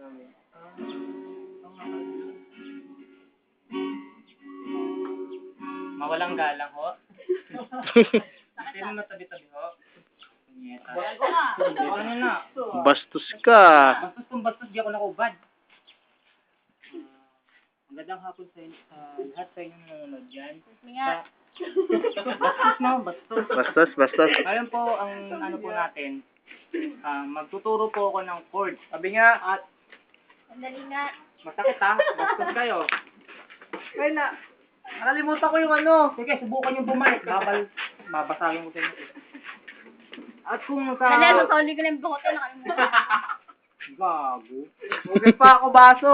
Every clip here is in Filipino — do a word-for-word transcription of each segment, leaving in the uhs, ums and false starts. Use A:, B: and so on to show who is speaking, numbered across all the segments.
A: Mawalang galang ho. Sino matabi-tabi ho? Ano na?
B: Bastos ka.
A: Bastos kung bastos, di ako nakubad. Magandang hapon sa, sa lahat sa inyong nanonood dyan. Sa, bastos no, bastos.
B: Bastos, bastos.
A: Ngayon po, ang ano po natin, uh, magtuturo po ako ng chord. Sabi nga, at
C: Sandali nga.
A: masakit ha, bastos kayo.
D: Kaya na, nakalimutan ko yung ano.
A: Sige, subukan yung bumalik. Babal, babasagin ko sa inyo. At kung sa...
C: Sandali, sasoli ko lang yung bukote. Nakalimutan.
A: Gago.
D: Huwag pa ako baso.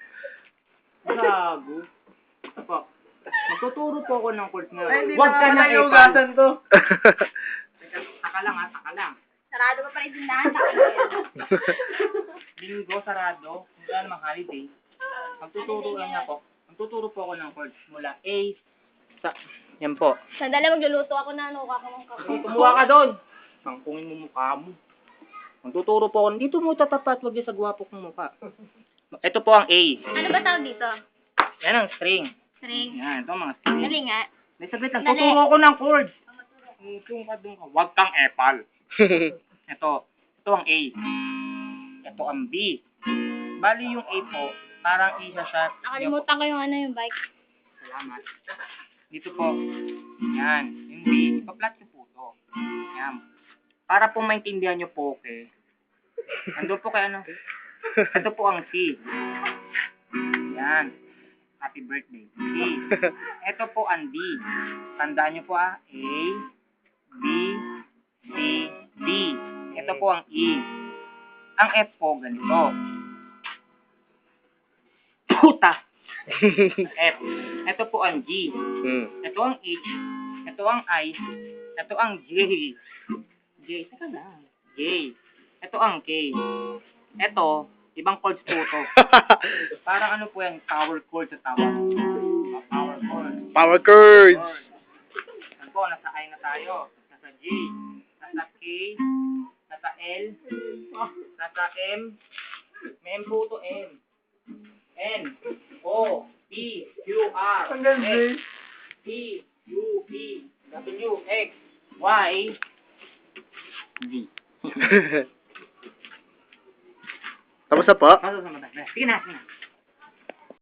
A: Gago. Ito po. Magtuturo po ako ng chord ngayon.
D: Ay, hindi
A: Huwag
D: na
A: ka
D: pala
A: na
D: yung
A: epal.
D: ugasan to.
A: Taka lang ha, taka lang.
C: Sarado pa pa rin tindahan. Takot.
A: Linggo, sarado. Wala namang holiday. Magtuturo lang na po. Magtuturo po ako ng chords mula A sa... Yan po.
C: Sandali, magluluto ako na ano. Kakamang
A: Kung kumuha ka doon, sangkungin mo mukha mo. Magtuturo po ako. Dito mo tatapat, wag sa gwapo kong mukha. Ito po ang A.
C: Ano ba tawag dito?
A: Yan ang string.
C: String.
A: Yan, ito ang mga string.
C: Dali nga.
A: May saglit lang.
C: Dali.
A: Tuturo ko ng chords. Kung ka doon ka. Huwag kang epal. Ito. Ito ang A. Ito ang B. Bali yung A po, parang isa siya.
C: Nakalimutan ko yung ano yung bike.
A: Salamat. Dito po. Yan. Yung B. Ipa-flat nyo po ito. Yan. Para po maintindihan nyo po, okay. Ando po kay ano. Ito po ang C. Yan. Happy birthday. C. Ito po ang D. Tandaan nyo po ah. A, B, C, D. Ito po ang E. Ang F po ganito. Puta! F. Ito po ang G.
B: Hmm.
A: Ito ang H. Ito ang I. Ito ang J. J. Teka lang. J. Ito ang K. Ito, ibang chords po ito. Parang ano po yan, power chord sa tawag. Power chord.
B: Power chords.
A: Ano po, nasa I na tayo. Nasa J. Nasa K. Nasa L. Nasa M. May M po ito, M. N. O. P. Q. R.
D: Hanggang
A: S.
D: Z.
A: T. U. P. W. X. Y. Z.
B: Tapos na po?
A: Pasok sa mata. Sige na, sige na.